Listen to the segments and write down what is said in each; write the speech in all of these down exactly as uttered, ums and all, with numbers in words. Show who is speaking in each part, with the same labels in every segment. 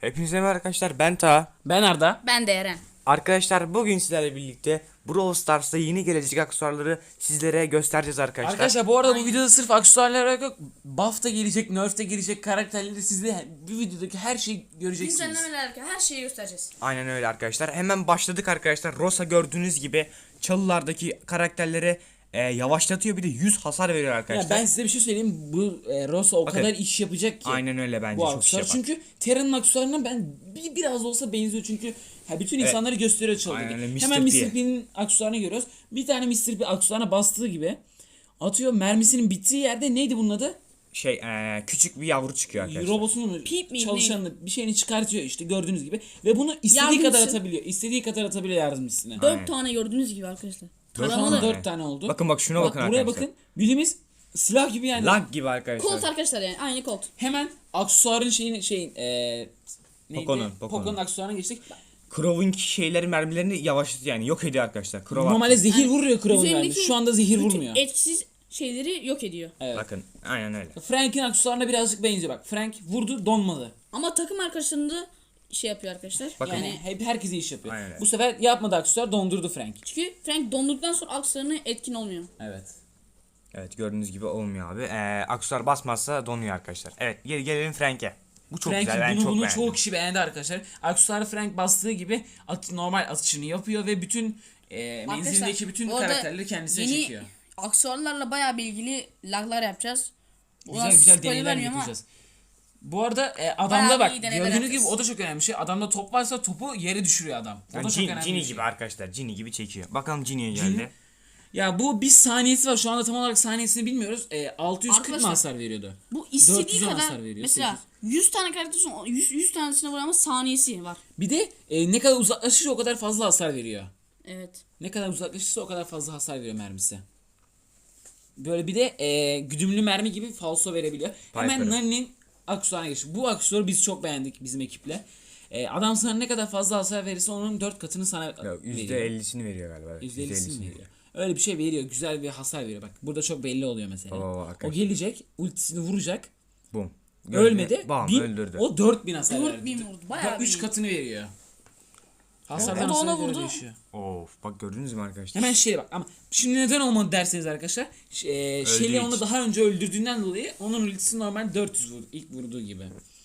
Speaker 1: Hepinize merhaba arkadaşlar, ben Taha.
Speaker 2: Ben Arda.
Speaker 3: Ben de Eren.
Speaker 1: Arkadaşlar bugün sizlerle birlikte Brawl Stars'ta yeni gelecek aksesuarları sizlere göstereceğiz arkadaşlar.
Speaker 2: Arkadaşlar bu arada bu videoda sırf aksesuarlar yok. Buff da gelecek, nerf de gelecek, karakterleri sizde bu videodaki her şeyi göreceksiniz.
Speaker 3: Güncellemeler her şeyi göstereceğiz.
Speaker 1: Aynen öyle arkadaşlar. Hemen başladık arkadaşlar. Rosa gördüğünüz gibi çalılardaki karakterlere e, yavaşlatıyor, bir de yüz hasar veriyor arkadaşlar.
Speaker 2: Ya ben size bir şey söyleyeyim. Bu e, Rosa o
Speaker 1: Bakın,
Speaker 2: kadar iş yapacak ki.
Speaker 1: aynen öyle, bence
Speaker 2: bu
Speaker 1: çok iş
Speaker 2: aksesuar.
Speaker 1: yapar.
Speaker 2: Çünkü Terra'nın aksesuarına ben bir, biraz da olsa benziyor çünkü ha, bütün insanları evet. gösteriyor çalıyor.
Speaker 1: Aynen öyle,
Speaker 2: Hemen
Speaker 1: mister
Speaker 2: mister P'nin aksesuarını görüyoruz. Bir tane mister P aksesuarına bastığı gibi atıyor, mermisinin bittiği yerde neydi bunun adı?
Speaker 1: Şey e, küçük bir yavru çıkıyor arkadaşlar.
Speaker 2: Robotunu
Speaker 3: Pip mi,
Speaker 2: çalışanını bir şeyini çıkartıyor işte gördüğünüz gibi ve bunu istediği
Speaker 3: Yardımcısı.
Speaker 2: kadar atabiliyor. İstediği kadar atabiliyor yardımcısına.
Speaker 3: Dört
Speaker 1: Aynen.
Speaker 3: tane gördüğünüz gibi arkadaşlar.
Speaker 2: Şu an
Speaker 3: Taramalı.
Speaker 2: dört tane oldu.
Speaker 1: Bakın bak şuna
Speaker 2: Bak,
Speaker 1: bakın
Speaker 2: buraya
Speaker 1: arkadaşlar.
Speaker 2: bakın. Bildiğimiz silah gibi yani.
Speaker 1: Lag gibi arkadaşlar.
Speaker 3: Colt arkadaşlar yani aynı Colt.
Speaker 2: Hemen aksesuarın şeyin şeyin eee neydi?
Speaker 1: Poco'nun, Poco'nun.
Speaker 2: Poco'nun aksesuarına geçtik.
Speaker 1: Crow'un şeyleri, mermilerini yavaşlatıyor yani, yok ediyor arkadaşlar. Crow
Speaker 2: Normalde
Speaker 1: attı.
Speaker 2: zehir vuruyor Crow'un
Speaker 3: Üzerindeki
Speaker 2: mermisi. Şu anda zehir
Speaker 3: bütün
Speaker 2: vurmuyor.
Speaker 3: etkisiz şeyleri yok ediyor.
Speaker 2: Evet.
Speaker 1: Bakın aynen öyle.
Speaker 2: Frank'in aksesuarına birazcık benziyor bak. Frank vurdu donmadı.
Speaker 3: Ama takım arkadaşlarında şey yapıyor arkadaşlar.
Speaker 1: Bakın.
Speaker 2: Yani hep herkese iş yapıyor.
Speaker 1: Aynen öyle.
Speaker 2: Bu sefer yapmadı aksesuar, dondurdu Frank.
Speaker 3: Çünkü Frank donduktan sonra akslarına etkin olmuyor.
Speaker 2: Evet.
Speaker 1: Evet, gördüğünüz gibi olmuyor abi. Ee, aksesuar basmazsa donuyor arkadaşlar. Evet, gel gelelim Frank'e. Bu çok
Speaker 2: Frank
Speaker 1: güzel, ben
Speaker 2: bunu
Speaker 1: çok
Speaker 2: bunu
Speaker 1: beğendim.
Speaker 2: çoğu kişi beğendi arkadaşlar. Aksesuarı Frank bastığı gibi at, normal atışını yapıyor ve bütün e, menzilindeki bütün
Speaker 3: bu arada
Speaker 2: karakterleri kendisine
Speaker 3: yeni
Speaker 2: çekiyor.
Speaker 3: aksesuarlarla bayağı bilgili laglar yapacağız.
Speaker 2: Güzel güzel
Speaker 3: spoiler
Speaker 2: deneyler
Speaker 3: vermiyorum ama
Speaker 2: yapacağız. Bu arada e, adamda
Speaker 3: Bayağı
Speaker 2: bak
Speaker 3: iyi deneyler
Speaker 2: gördüğünüz gibi
Speaker 3: yapacağız.
Speaker 2: o da çok önemli bir şey. Adamda top varsa topu yere düşürüyor adam. O
Speaker 1: Yani
Speaker 2: da çok
Speaker 1: Cin-
Speaker 2: önemli
Speaker 1: Cini
Speaker 2: bir şey.
Speaker 1: gibi arkadaşlar, Cini gibi çekiyor. Bakalım Cini'ye
Speaker 2: Cini-
Speaker 1: geldi.
Speaker 2: Ya bu bir saniyesi var. Şu anda tam olarak saniyesini bilmiyoruz. E, altı yüz kırk mı
Speaker 3: Arkadaşlar,
Speaker 2: hasar veriyordu?
Speaker 3: bu
Speaker 2: dört
Speaker 3: istediği
Speaker 2: yüz
Speaker 3: kadar
Speaker 2: hasar veriyor,
Speaker 3: mesela yüz tane karakter son yüz, yüz tanesine vuran ama saniyesi var.
Speaker 2: Bir de e, ne kadar uzaklaşırsa o kadar fazla hasar veriyor.
Speaker 3: Evet.
Speaker 2: Ne kadar uzaklaşırsa o kadar fazla hasar veriyor mermisi. Böyle bir de e, güdümlü mermi gibi falso verebiliyor. Hemen
Speaker 1: Piper'ı.
Speaker 2: Nani'nin aksesuarına geçtik. Bu aksesuarı biz çok beğendik bizim ekiple. E, adam sana ne kadar fazla hasar verirse onun dört katını sana
Speaker 1: Yok,
Speaker 2: veriyor.
Speaker 1: yüzde ellisini veriyor galiba. Evet,
Speaker 2: yüzde ellisini
Speaker 1: yüzde
Speaker 2: veriyor. Öyle bir şey veriyor. Güzel bir hasar veriyor. Bak burada çok belli oluyor mesela.
Speaker 1: Baba, baba,
Speaker 2: o
Speaker 1: arkadaşlar.
Speaker 2: gelecek, ultisini vuracak.
Speaker 1: Bum.
Speaker 2: Ölmedi.
Speaker 1: Bam,
Speaker 2: bin-
Speaker 1: öldürdü.
Speaker 2: O dört bin hasar
Speaker 3: dört
Speaker 2: verdi.
Speaker 3: bin vurdu, bayağı
Speaker 2: üç
Speaker 3: iyi.
Speaker 2: katını veriyor. Hasardan
Speaker 3: O da ona
Speaker 2: hasara göre
Speaker 3: vurdu.
Speaker 2: değişiyor.
Speaker 1: Of, bak gördünüz mü arkadaşlar?
Speaker 2: Hemen şeye bak ama şimdi neden olmadı derseniz arkadaşlar ş- e, Shelly
Speaker 1: için.
Speaker 2: onu daha önce öldürdüğünden dolayı onun ultisi normal dört yüz vurdu ilk vurduğu gibi.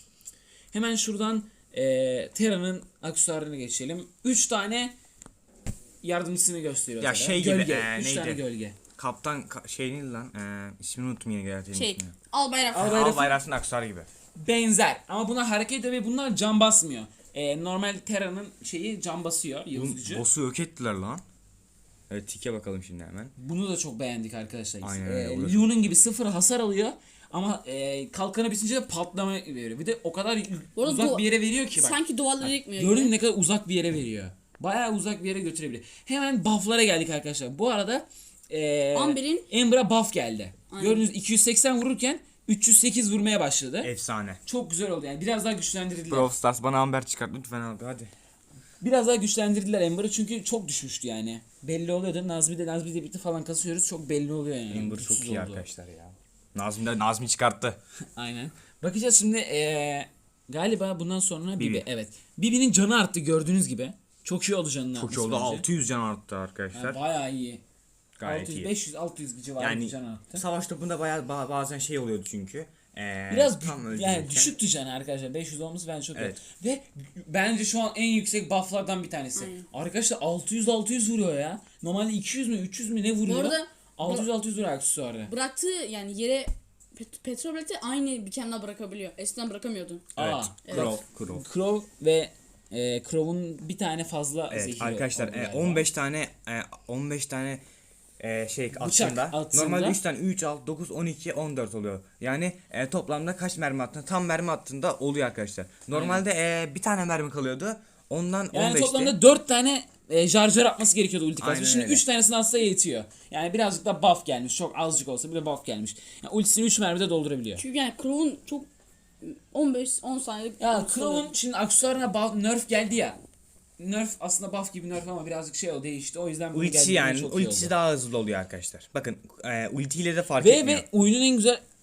Speaker 2: Hemen şuradan e, Terra'nın aksesuarına geçelim. üç tane yardımcısını gösteriyor.
Speaker 1: Ya
Speaker 2: Terra.
Speaker 1: şey gibi,
Speaker 2: gölge.
Speaker 1: e,
Speaker 2: üç
Speaker 1: neydi?
Speaker 2: tane gölge.
Speaker 1: Kaptan ka- şey neydi lan? Ee, ismini unuttum yine gerçekten.
Speaker 3: Şey,
Speaker 1: ismini.
Speaker 3: al bayrak.
Speaker 2: Al
Speaker 3: Al
Speaker 2: bayrak.
Speaker 1: Al bayrasının aksesuarı gibi.
Speaker 2: Benzer ama buna hareket ediyor ve bunlar can basmıyor. E, normal Terra'nın şeyi can basıyor yıldız
Speaker 1: Bu
Speaker 2: gücü.
Speaker 1: boss'u yok ettiler lan. Evet, tike bakalım şimdi hemen.
Speaker 2: Bunu da çok beğendik arkadaşlar.
Speaker 1: Aynen
Speaker 2: Ee,
Speaker 1: öyle, bu da
Speaker 2: Leon'un gibi sıfır hasar alıyor ama e, kalkanı bitince de patlama veriyor. Bir de o kadar
Speaker 3: Bu arada
Speaker 2: uzak
Speaker 3: du-
Speaker 2: bir yere veriyor ki bak.
Speaker 3: Sanki duvarları yıkmıyor
Speaker 2: Gördün mü
Speaker 3: gibi.
Speaker 2: ne kadar uzak bir yere veriyor. Bayağı uzak bir yere götürebiliyor. Hemen buff'lara geldik arkadaşlar. Bu arada e,
Speaker 3: Amber'in-
Speaker 2: Amber'a buff geldi.
Speaker 3: Aynen.
Speaker 2: Gördüğünüz iki yüz seksen vururken üç yüz sekiz vurmaya başladı.
Speaker 1: Efsane.
Speaker 2: Çok güzel oldu yani. Biraz daha güçlendirdiler.
Speaker 1: Brawl Stars bana Amber çıkart lütfen abi, hadi.
Speaker 2: Biraz daha güçlendirdiler Amber'ı çünkü çok düşmüştü yani. Belli oluyordu. Nazmi de Nazmi de bitti falan kasıyoruz. Çok belli oluyor yani.
Speaker 1: Amber
Speaker 2: Güçsüz
Speaker 1: çok iyi
Speaker 2: oldu.
Speaker 1: arkadaşlar ya. Nazmi de Nazmi çıkarttı.
Speaker 2: Aynen. Bakacağız şimdi eee, galiba bundan sonra Bibi.
Speaker 1: Bibi.
Speaker 2: Evet. Bibi'nin canı arttı gördüğünüz gibi. Çok iyi oldu canının
Speaker 1: Çok iyi
Speaker 2: artması
Speaker 1: oldu.
Speaker 2: bence.
Speaker 1: altı yüz can arttı arkadaşlar.
Speaker 2: Yani bayağı iyi.
Speaker 1: Gayet
Speaker 2: altı yüz,
Speaker 1: iyi.
Speaker 2: beş yüz altı yüz civarı
Speaker 1: Yani
Speaker 2: bir can arttı.
Speaker 1: savaş topunda bayağı ba- bazen şey oluyordu çünkü. Ee,
Speaker 2: Biraz
Speaker 1: tam
Speaker 2: dü-
Speaker 1: öldürürken-
Speaker 2: yani düşüktü canı arkadaşlar. beş yüz olması bence çok
Speaker 1: Evet.
Speaker 2: iyi. Ve bence şu an en yüksek bufflardan bir tanesi. Arkadaşlar altı yüz altı yüz vuruyor ya. Normalde iki yüz mü üç yüz mü ne vuruyor?
Speaker 3: Bu arada-
Speaker 2: altı yüz altı yüz vuruyor aksesuarı.
Speaker 3: Bıraktığı yani yere pet- petrol bileti aynı biçimde bırakabiliyor. Eskiden bırakamıyordu.
Speaker 1: Evet.
Speaker 2: Aa,
Speaker 1: Crow, Crow.
Speaker 2: Crow ve e, Crow'un bir tane fazla
Speaker 1: Evet
Speaker 2: zehri
Speaker 1: arkadaşlar,
Speaker 2: oldu
Speaker 1: e,
Speaker 2: galiba.
Speaker 1: on beş tane e, on beş tane e, şey atında.
Speaker 2: atında.
Speaker 1: Normalde üç tane üç, altı, dokuz, on iki, on dört oluyor. Yani e, toplamda kaç mermi attığında, tam mermi attığında oluyor arkadaşlar. Normalde e, bir tane mermi kalıyordu. Ondan
Speaker 2: Yani
Speaker 1: on beşti.
Speaker 2: toplamda dört tane e, şarjör atması gerekiyordu ulti
Speaker 1: Aynen
Speaker 2: kasması. Şimdi
Speaker 1: öyle.
Speaker 2: üç tanesini atsa yetiyor. Yani birazcık da buff gelmiş. Çok azıcık olsa bile buff gelmiş. Yani ultisini üç mermide doldurabiliyor.
Speaker 3: Çünkü yani Crow'un çok on beş on saniyelik
Speaker 2: Ya
Speaker 3: ultisi
Speaker 2: Crow'un
Speaker 3: oluyor.
Speaker 2: şimdi aksesuarına buff, nerf geldi ya. Nerf aslında buff gibi nerf ama birazcık şey o değişti. O yüzden bunu
Speaker 1: Ultisi
Speaker 2: geldiğinde
Speaker 1: yani
Speaker 2: çok iyi
Speaker 1: ultisi
Speaker 2: oldu.
Speaker 1: daha hızlı oluyor arkadaşlar. Bakın e, ultiyle de fark
Speaker 2: Ve
Speaker 1: etmiyor.
Speaker 2: ve oyunun en güzel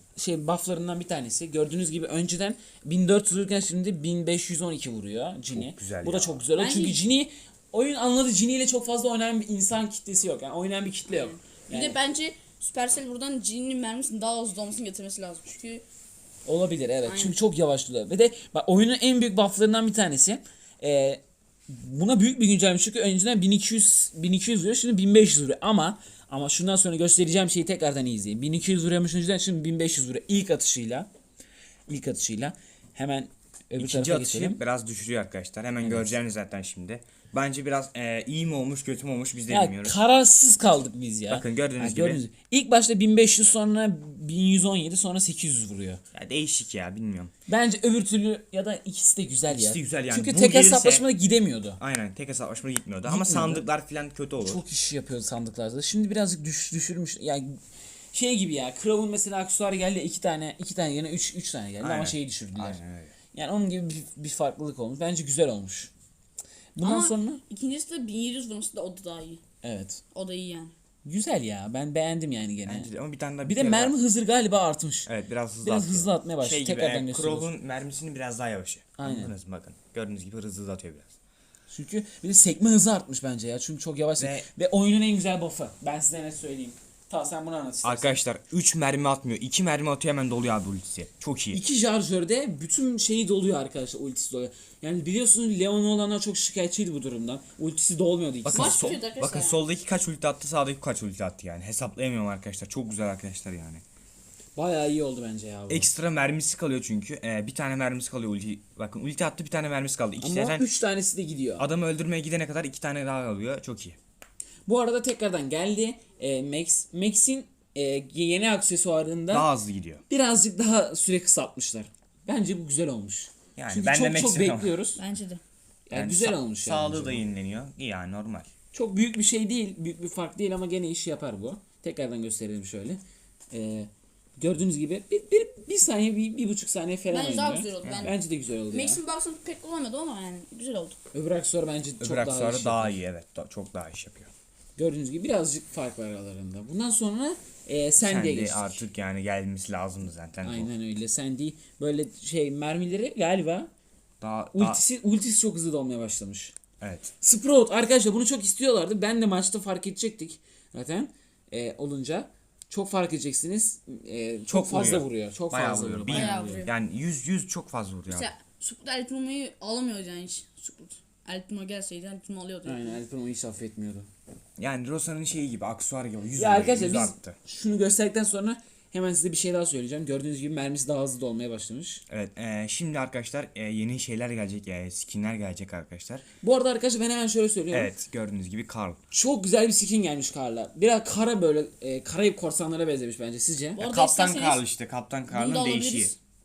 Speaker 2: şey bufflarından bir tanesi. Gördüğünüz gibi önceden bin dört yüz vururken şimdi bin beş yüz on iki vuruyor Jin'i.
Speaker 1: Çok güzel
Speaker 2: Bu da
Speaker 1: ya.
Speaker 2: çok güzel.
Speaker 3: Bence-
Speaker 2: Çünkü Jin'i oyun anladı, Jin'i ile çok fazla oynayan bir insan kitlesi yok. Yani oynayan bir kitle yok.
Speaker 3: Bir
Speaker 2: Yani
Speaker 3: de bence Supercell buradan Jin'in mermisini daha hızlı olmasını getirmesi lazım. Çünkü
Speaker 2: olabilir evet.
Speaker 3: Aynen.
Speaker 2: Çünkü çok yavaşlıyor. Ve de bak, oyunun en büyük bufflarından bir tanesi. Ee, buna büyük bir güncelleme çünkü önceden bin iki yüz bin iki yüz vuruyor, şimdi bin beş yüz vuruyor ama ama şundan sonra göstereceğim şeyi tekrardan iyi izleyin. bin iki yüz vuruyormuş önceden, şimdi bin beş yüz vuruyor ilk atışıyla. İlk atışıyla. Hemen öbür
Speaker 1: İkinci
Speaker 2: tarafa
Speaker 1: atışı
Speaker 2: geçelim.
Speaker 1: biraz düşürüyor arkadaşlar. Hemen göreceğiniz zaten şimdi. Bence biraz e, iyi mi olmuş kötü mü olmuş biz de
Speaker 2: Ya
Speaker 1: bilmiyoruz.
Speaker 2: kararsız kaldık biz ya.
Speaker 1: Bakın gördüğünüz
Speaker 2: Ha,
Speaker 1: gibi.
Speaker 2: İlk başta bin beş yüz, sonra bin yüz on yedi, sonra sekiz yüz vuruyor.
Speaker 1: Ya değişik ya bilmiyorum.
Speaker 2: Bence öbür türlü ya da ikisi de güzel
Speaker 1: İkisi
Speaker 2: ya.
Speaker 1: de güzel yani.
Speaker 2: Çünkü
Speaker 1: Bu
Speaker 2: tek
Speaker 1: gelirse-
Speaker 2: hesaplaşmada gidemiyordu.
Speaker 1: Aynen tek hesaplaşma gitmiyordu ama
Speaker 2: Gitmiyordu.
Speaker 1: sandıklar falan kötü olur.
Speaker 2: Çok iş yapıyordu sandıklarda. Şimdi birazcık düş, düşürmüş. Yani şey gibi ya. Crow'un mesela aksesuarı geldi iki tane, iki tane yerine üç, üç tane geldi
Speaker 1: Aynen.
Speaker 2: ama şeyi düşürdüler.
Speaker 1: Aynen öyle.
Speaker 2: Yani onun gibi bir, bir farklılık olmuş. Bence güzel olmuş. Bundan
Speaker 3: ama
Speaker 2: sonra
Speaker 3: ikincisi de bin yedi yüz vurması da o da daha iyi.
Speaker 2: evet.
Speaker 3: O da iyi yani.
Speaker 2: Güzel ya. Ben beğendim yani gene.
Speaker 1: Bence de ama bir tane daha
Speaker 2: Bir de
Speaker 1: kere daha-
Speaker 2: mermi hızı galiba artmış.
Speaker 1: Evet biraz hızlı
Speaker 2: Biraz
Speaker 1: atıyor.
Speaker 2: hızlı atmaya başladı.
Speaker 1: Şey gibi
Speaker 2: Tekrardan
Speaker 1: e,
Speaker 2: gösteriyoruz.
Speaker 1: Crow'un mermisini biraz daha yavaşı.
Speaker 2: Aynen.
Speaker 1: Anladınız mı bakın. Gördüğünüz gibi hızlı hızlı atıyor biraz.
Speaker 2: Çünkü bir de sekme hızı artmış bence ya. Çünkü çok yavaş.
Speaker 1: Ve-
Speaker 2: Ve, oyunun en güzel buff'ı. Ben size net söyleyeyim. Ta sen bunu anlat istersen.
Speaker 1: Arkadaşlar üç mermi atmıyor. iki mermi atıyor hemen doluyor abi ultisi. Çok iyi.
Speaker 2: İki şarjörde bütün şeyi doluyor arkadaşlar, ultisi doluyor. Yani biliyorsunuz Leon olanlar çok şikayetçiydi bu durumdan. Ultisi dolmuyordu ikisi.
Speaker 1: Bakın,
Speaker 3: Baş
Speaker 1: sol,
Speaker 3: tutuyordu arkadaşlar
Speaker 1: bakın
Speaker 3: yani.
Speaker 1: soldaki kaç ulti attı sağdaki kaç ulti attı yani. Hesaplayamıyorum arkadaşlar. Çok güzel arkadaşlar yani.
Speaker 2: Bayağı iyi oldu bence ya bu.
Speaker 1: Ekstra mermisi kalıyor çünkü. Ee, bir tane mermisi kalıyor ulti. Bakın ulti attı bir tane mermisi kaldı. İki
Speaker 2: Ama
Speaker 1: zaten
Speaker 2: üç tanesi de gidiyor.
Speaker 1: adamı öldürmeye gidene kadar iki tane daha kalıyor. Çok iyi.
Speaker 2: Bu arada tekrardan geldi. Ee, Max Max'in e, yeni aksesuarında
Speaker 1: Daha hızlı gidiyor.
Speaker 2: birazcık daha süre kısaltmışlar. Bence bu güzel olmuş.
Speaker 1: Yani
Speaker 2: Çünkü
Speaker 1: ben de
Speaker 2: çok çok
Speaker 1: Max'im ama.
Speaker 2: bekliyoruz.
Speaker 3: Bence de.
Speaker 2: Yani, güzel
Speaker 1: sa-
Speaker 2: olmuş yani.
Speaker 1: Sağlığı
Speaker 2: bence
Speaker 1: da
Speaker 2: bu.
Speaker 1: yenileniyor. İyi yani normal.
Speaker 2: Çok büyük bir şey değil, büyük bir fark değil ama gene işi yapar bu. Tekrardan gösterelim şöyle. Ee, gördüğünüz gibi bir, bir, bir saniye, bir, bir buçuk saniye falan
Speaker 3: Bence daha
Speaker 2: oynuyor.
Speaker 3: güzel oldu. Ben
Speaker 2: Bence de güzel oldu ya.
Speaker 3: Max'in box'ını pek kullanmadım ama yani güzel oldu.
Speaker 2: Öbür aksesuar bence
Speaker 1: Öbür
Speaker 2: çok daha,
Speaker 1: aksesuarı
Speaker 2: iş
Speaker 1: daha,
Speaker 2: yapıyor.
Speaker 1: iyi evet. Da- çok daha iş yapıyor.
Speaker 2: Gördüğünüz gibi birazcık fark var aralarında. Bundan sonra e,
Speaker 1: Sen
Speaker 2: Sandy'ye
Speaker 1: de
Speaker 2: geçtik.
Speaker 1: artık yani gelmesi lazımdı zaten. bu.
Speaker 2: Aynen öyle. Sandy böyle şey mermileri galiba
Speaker 1: Daha, daha,
Speaker 2: ultisi, ultisi çok hızlı dolmaya başlamış.
Speaker 1: evet.
Speaker 2: Sprout arkadaşlar bunu çok istiyorlardı. Ben de maçta fark edecektik zaten e, olunca. Çok fark edeceksiniz. E, çok,
Speaker 1: Çok
Speaker 2: fazla
Speaker 1: vuruyor.
Speaker 2: vuruyor. Çok
Speaker 1: Bayağı
Speaker 2: fazla
Speaker 1: vuruyor.
Speaker 2: vuruyor.
Speaker 1: Bir-
Speaker 3: Bayağı vuruyor.
Speaker 1: Yani yüz yüz çok fazla vuruyor. abi.
Speaker 3: Mesela Sukut Elpino'yu alamıyordu yani hiç. Sukut. Elpino gelseydi Elpino alıyordu.
Speaker 2: Aynen Alper onu hiç affetmiyordu.
Speaker 1: Yani Rosa'nın şeyi gibi aksuar gibi yüz
Speaker 2: Ya
Speaker 1: vuruyor,
Speaker 2: arkadaşlar
Speaker 1: yüz
Speaker 2: biz
Speaker 1: arttı.
Speaker 2: şunu gösterdikten sonra hemen size bir şey daha söyleyeceğim. Gördüğünüz gibi mermisi daha hızlı dolmaya başlamış.
Speaker 1: Evet e, şimdi arkadaşlar e, yeni şeyler gelecek. E, skinler gelecek arkadaşlar.
Speaker 2: Bu arada arkadaşlar ben hemen şöyle söylüyorum.
Speaker 1: Evet gördüğünüz gibi Karl.
Speaker 2: Çok güzel bir skin gelmiş Karl'a. Biraz kara böyle e, Karayip korsanlara benzemiş bence sizce?
Speaker 3: Bu arada
Speaker 1: Kaptan
Speaker 3: isterseniz
Speaker 1: Karl işte. Kaptan
Speaker 3: Bunu da
Speaker 1: Karl'ın
Speaker 3: alabiliriz.
Speaker 1: değişiği.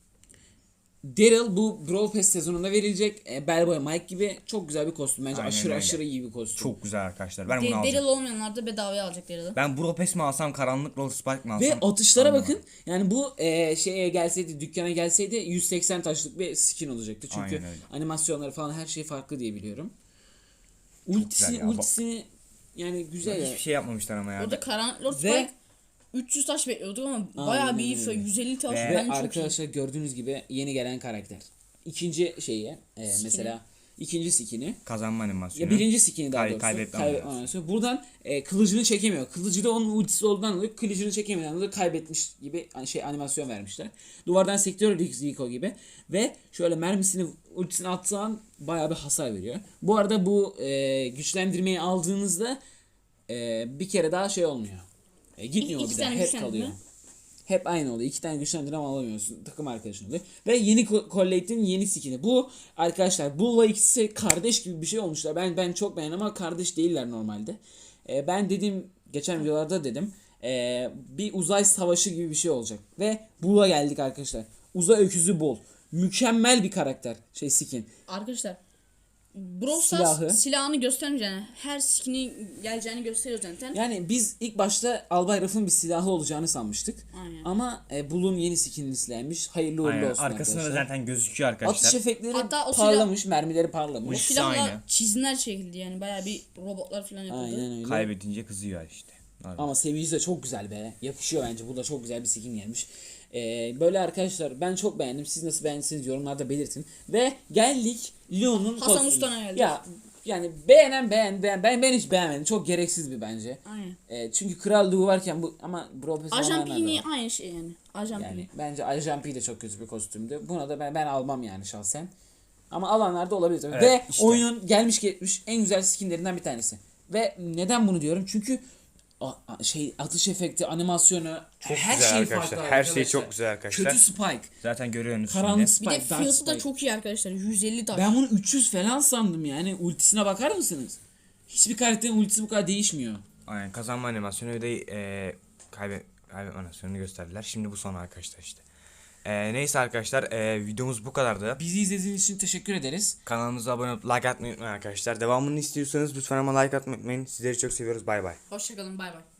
Speaker 2: Daryl bu Brawl Pass sezonunda verilecek. E, Bellboy Mike gibi çok güzel bir kostüm. Bence
Speaker 1: Aynen
Speaker 2: aşırı
Speaker 1: öyle.
Speaker 2: aşırı iyi bir kostüm.
Speaker 1: Çok güzel arkadaşlar. Ben
Speaker 3: De-
Speaker 1: bunu alacağım.
Speaker 3: Daryl olmayanlar da bedavaya alacak Daryl'ı.
Speaker 1: Ben Bropes mi alsam, karanlık Roll Spike mi alsam?
Speaker 2: Ve atışlara
Speaker 1: anlamadım.
Speaker 2: bakın. Yani bu e, şeye gelseydi, dükkana gelseydi yüz seksen taşlık bir skin olacaktı. Çünkü
Speaker 1: Aynen öyle.
Speaker 2: animasyonları falan her şey farklı diye biliyorum. Ultisi,
Speaker 1: güzel ya.
Speaker 2: ultisini yani güzel ya.
Speaker 1: Hiçbir şey yapmamışlar ama ya.
Speaker 3: Orada Karanlık Lord
Speaker 2: Ve-
Speaker 3: Spike üç yüz taş bekliyorduk ama bayağı bir iyi.
Speaker 2: öyle.
Speaker 3: yüz elli taş
Speaker 1: Ve
Speaker 2: Ve
Speaker 3: bence çok iyi.
Speaker 2: arkadaşlar gördüğünüz gibi yeni gelen karakter. İkinci şeyi e, mesela ikinci skin'i.
Speaker 1: Kazanma animasyonu.
Speaker 2: Ya birinci skin'i daha
Speaker 1: Kay-
Speaker 2: doğrusu.
Speaker 1: kaybetme
Speaker 2: Kaybetme
Speaker 1: animasyonu.
Speaker 2: animasyonu. Buradan e, kılıcını çekemiyor. Kılıcı da onun ultisi olduğundan dolayı kılıcını çekemeden dolayı kaybetmiş gibi hani şey animasyon vermişler. Duvardan sektör Rico gibi. Ve şöyle mermisini ultisini attığı an bayağı bir hasar veriyor. Bu arada bu e, güçlendirmeyi aldığınızda e, bir kere daha şey olmuyor. E, gitmiyor
Speaker 3: İki-
Speaker 2: bir
Speaker 3: iki
Speaker 2: daha.
Speaker 3: tane
Speaker 2: Hep
Speaker 3: güçlendirme.
Speaker 2: kalıyor. Hep aynı oluyor. İki tane güçlendirme alamıyorsun. Takım arkadaşın oluyor. Ve yeni Collate'in yeni skin'i. Bu arkadaşlar Bull'la ikisi kardeş gibi bir şey olmuşlar. Ben ben çok beğendim ama kardeş değiller normalde. Ee, ben dedim geçen videolarda dedim. ee, bir uzay savaşı gibi bir şey olacak. Ve Bull'a geldik arkadaşlar. Uzay öküzü Bull. Mükemmel bir karakter. Şey skin.
Speaker 3: Arkadaşlar Brawl
Speaker 2: Silahı.
Speaker 3: Stars silahını göstermeyeceğini, yani her skin'i geleceğini gösteriyor zaten.
Speaker 2: Yani biz ilk başta Albay Ruff'ın bir silahı olacağını sanmıştık.
Speaker 3: Aynen.
Speaker 2: Ama e, Bull'un yeni skinini silahmış. Hayırlı uğurlu
Speaker 1: Aynen.
Speaker 2: olsun
Speaker 1: Arkasında da
Speaker 2: arkadaşlar.
Speaker 1: zaten gözüküyor arkadaşlar.
Speaker 2: Atış efektleri
Speaker 3: Hatta o silah-
Speaker 2: parlamış, mermileri
Speaker 3: O
Speaker 2: parlamış.
Speaker 1: İkisi
Speaker 3: silahla
Speaker 1: aynı.
Speaker 3: çizimler çekildi yani bayağı bir robotlar falan yapıldı.
Speaker 2: Aynen öyle.
Speaker 1: Kaybedince kızıyor işte. Abi.
Speaker 2: Ama seviyesi de çok güzel be. Yakışıyor bence. Bu da çok güzel bir skin gelmiş. Ee, böyle arkadaşlar ben çok beğendim. Siz nasıl beğendiyseniz yorumlarda belirtin. Ve geldik Leon'un
Speaker 3: Hasan
Speaker 2: kostümü.
Speaker 3: Usta'na geldik.
Speaker 2: Ya yani beğenen beğen, beğen ben ben hiç beğenmedim. Çok gereksiz bir bence.
Speaker 3: Aynen.
Speaker 2: Ee, çünkü krallığı varken bu ama profesyonel
Speaker 3: Ajan
Speaker 2: olanlar da
Speaker 3: Pini
Speaker 2: var.
Speaker 3: aynı şey yani. Ajan
Speaker 2: Yani
Speaker 3: Pini.
Speaker 2: bence Ajan P de çok kötü bir kostümdü. Buna da ben, ben almam yani şahsen. Ama alanlar da olabilir tabii.
Speaker 1: Evet,
Speaker 2: Ve
Speaker 1: işte.
Speaker 2: oyunun gelmiş geçmiş en güzel skinlerinden bir tanesi. Ve neden bunu diyorum? Çünkü a- a- şey atış efekti, animasyonu,
Speaker 1: Çok
Speaker 2: her
Speaker 1: güzel
Speaker 2: şey
Speaker 1: arkadaşlar.
Speaker 2: farklı
Speaker 1: Her şey
Speaker 2: arkadaşlar.
Speaker 1: çok güzel arkadaşlar.
Speaker 2: Kötü Spike,
Speaker 1: Zaten görüyorsunuz
Speaker 2: karanlık
Speaker 1: şimdi.
Speaker 3: Bir
Speaker 2: Spike,
Speaker 3: de
Speaker 2: Dark
Speaker 3: fiyatı da
Speaker 2: Spike.
Speaker 3: çok iyi arkadaşlar. yüz elli taş.
Speaker 2: Ben bunu üç yüz falan sandım yani. Ultisine bakar mısınız? Hiçbir karakterin ultisi bu kadar değişmiyor.
Speaker 1: Aynen, kazanma animasyonu ve de e, kaybet, kaybetme animasyonunu gösterdiler. Şimdi bu son arkadaşlar işte. E, neyse arkadaşlar, e, videomuz bu kadardı.
Speaker 2: Bizi izlediğiniz için teşekkür ederiz.
Speaker 1: Kanalımıza abone olup like atmayı unutmayın arkadaşlar. Devamını istiyorsanız lütfen ama like atmayı unutmayın. Sizleri çok seviyoruz. Bay bay.
Speaker 3: Hoşçakalın bay bay.